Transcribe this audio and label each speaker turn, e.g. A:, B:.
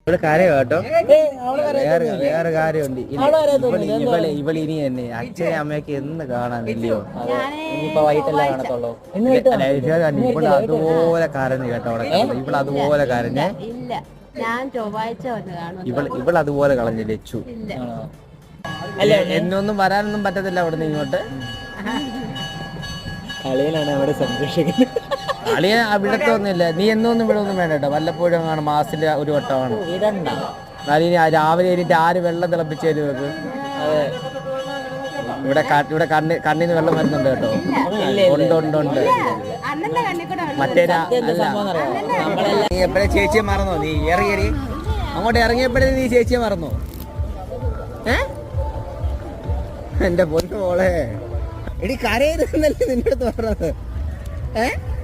A: ഇവിടെ കരയോ കേട്ടോ. വേറെ കാര്യമുണ്ട്. ഇവള് ഇനി തന്നെ അച്ഛനെ അമ്മയൊക്കെ എന്ന് കാണാനില്ലയോ.
B: ഇനിയിപ്പോ വൈകിട്ടല്ലേ കാണത്തുള്ളൂ.
A: ഇവിടെ അതുപോലെ കരഞ്ഞു കേട്ടോ. അവിടെ ഇവിടെ അതുപോലെ കരഞ്ഞേ. ഇവൾ അതുപോലെ കളഞ്ഞു ലച്ചു. എന്നൊന്നും വരാനൊന്നും പറ്റത്തില്ല അവിടുന്ന് ഇങ്ങോട്ട്.
B: അളിയനാണ് അവിടെ സംരക്ഷിക്കുന്നത്.
A: അളിയൻ ഇവിടത്തെ ഒന്നുമില്ല. നീ എന്നൊന്നും ഇവിടെ ഒന്നും വേണ്ട കേട്ടോ. വല്ലപ്പോഴും ആണ്, മാസത്തില് ഒരു വട്ടമാണ്. ഇനി രാവിലെ എണീറ്റ് ആര് വെള്ളം തിളപ്പിച്ച് തരുമത്. ഇവിടെ കണ്ണിന് വെള്ളം വരുന്നുണ്ട് കേട്ടോ. ഉണ്ട്. മറ്റേ നീ എപ്പോഴും ചേച്ചിയെ മറന്നോ? നീ ഇറങ്ങി അങ്ങോട്ട് ഇറങ്ങിയപ്പോഴേ നീ ചേച്ചിയെ മറന്നോ? എന്റെ പൊന്നു മോളെ, എടി കരയരുതെന്നല്ലേ നിന്റെ അടുത്ത് പറഞ്ഞത്.